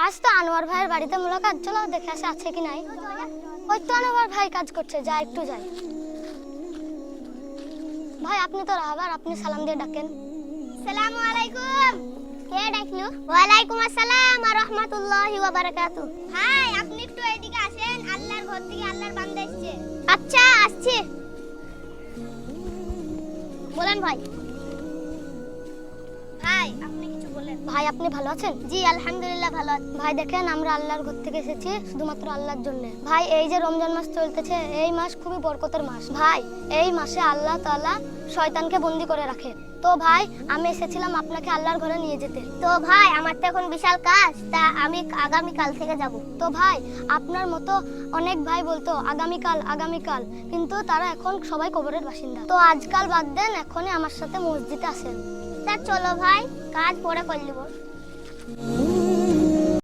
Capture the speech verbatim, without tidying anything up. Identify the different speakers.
Speaker 1: আজ তো আনোয়ার ভাইয়ের বাড়িতে মুলাকাত, চলো দেখে আসে আছে কি নাই। ওই তো আনোয়ার ভাই কাজ করছে, যা একটু যাই। ভাই আপনি তো রাহাবার, আপনি সালাম দিয়ে ডাকেন। আসসালামু আলাইকুম। কে ডাকলো? ওয়ালাইকুম আসসালাম ওয়া রাহমাতুল্লাহি ওয়া বারাকাতুহু। ভাই আপনি একটু এদিকে আসেন, আল্লাহর ঘর থেকে আল্লাহর বান্দা এসেছে। আচ্ছা আসছি। বলেন ভাই। ভাই আপনি কিছু বলেন। ভাই আপনি ভালো আছেন? জি আলহামদুলিল্লাহ ভালো আছি। ভাই দেখেন আমরা আল্লাহর ঘর থেকে এসেছি শুধুমাত্র আল্লাহর জন্য। ভাই এই যে রমজান মাস চলতেছে, এই মাস খুবই বরকতের মাস। ভাই এই মাসে আল্লাহ তাআলা শয়তানকে বন্দী করে রাখে। তো ভাই আমি এসেছিলাম আপনাকে আল্লাহর ঘরে নিয়ে যেতে। তো ভাই আমার তো এখন বিশাল কাজ, তা আমি আগামী কাল থেকে যাব। তো ভাই আপনার মতো অনেক ভাই বলতো আগামীকাল আগামীকাল, কিন্তু তারা এখন সবাই কবরের বাসিন্দা। তো আজকাল বাদ দেন, এখনই আমার সাথে মসজিদে আসেন। তা চলো ভাই, কাজ পরে করে নেব।